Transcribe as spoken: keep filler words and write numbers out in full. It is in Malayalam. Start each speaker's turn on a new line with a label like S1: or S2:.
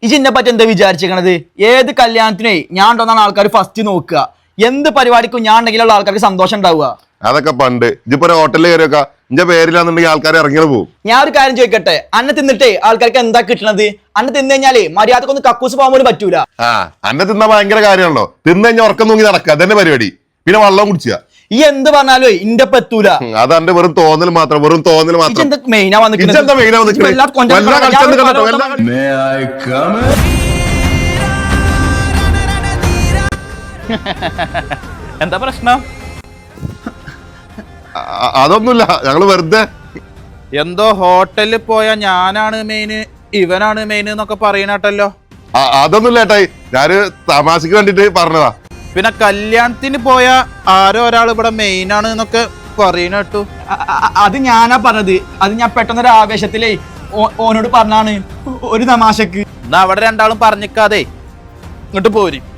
S1: ഇജിന്നെ പറ്റി എന്താ വിചാരിച്ചിരിക്കണത്? ഏത് കല്യാണത്തിനേ ഞാൻ ഉണ്ടെന്നാണ് ആൾക്കാർ ഫസ്റ്റ് നോക്കുക. എന്ത് പരിപാടിക്കും ഞാൻ ഉണ്ടെങ്കിലുള്ള ആൾക്കാർക്ക് സന്തോഷം ഉണ്ടാവുക.
S2: അതൊക്കെ പണ്ട് ഇജിപ്പോ ഹോട്ടലിൽ കയറിയൊക്കെ എന്റെ പേരിലാന്നുണ്ടെങ്കിൽ ആൾക്കാർ ഇറങ്ങിയത് പോകും.
S1: ഞാൻ ഒരു കാര്യം ചോദിക്കട്ടെ, അന്നെ തിന്നിട്ടേ ആൾക്കാർക്ക് എന്താ കിട്ടണത്? അന്നെ തിന്നു കഴിഞ്ഞാലേ മര്യാദക്കൊന്ന് കക്കൂസ് പോകാൻ പോലും പറ്റൂല.
S2: ആ അന്നെ തിന്നാ ഭയങ്കര കാര്യമാണല്ലോ. തിന്നു കഴിഞ്ഞാൽ ഉറക്കം തൂങ്ങി നടക്കുക, അതന്നെ പരിപാടി. പിന്നെ വെള്ളം കുടിക്കുക.
S1: ഈ എന്ത് പറഞ്ഞാലോ ഇന്റെ പറ്റൂല.
S2: അത് എന്റെ വെറും തോന്നൽ മാത്രം, വെറും തോന്നൽ മാത്രം.
S1: മെയിനാ വന്നിട്ട്
S3: എന്താ പ്രശ്നം?
S2: അതൊന്നുമില്ല, ഞങ്ങള് വെറുതെ
S3: എന്തോ ഹോട്ടലിൽ പോയ ഞാനാണ് മെയിന് ഇവനാണ് മെയിൻ എന്നൊക്കെ പറയണട്ടല്ലോ.
S2: അതൊന്നുമില്ല ഏട്ടായി, ഞാന് തമാശക്ക് വേണ്ടിട്ട് പറഞ്ഞതാ.
S3: പിന്നെ കല്യാണത്തിന് പോയ ആരോ ഒരാൾ ഇവിടെ മെയിൻ ആണ് എന്നൊക്കെ പറയണ കേട്ടു.
S1: അത് ഞാനാ പറഞ്ഞത്. അത് ഞാൻ പെട്ടെന്നൊരു ആവേശത്തിലേ ഓനോട് പറഞ്ഞാണ്, ഒരു തമാശക്ക്.
S3: എന്നാ അവിടെ രണ്ടാളും പറഞ്ഞിക്കാതെ ഇങ്ങോട്ട് പോരും.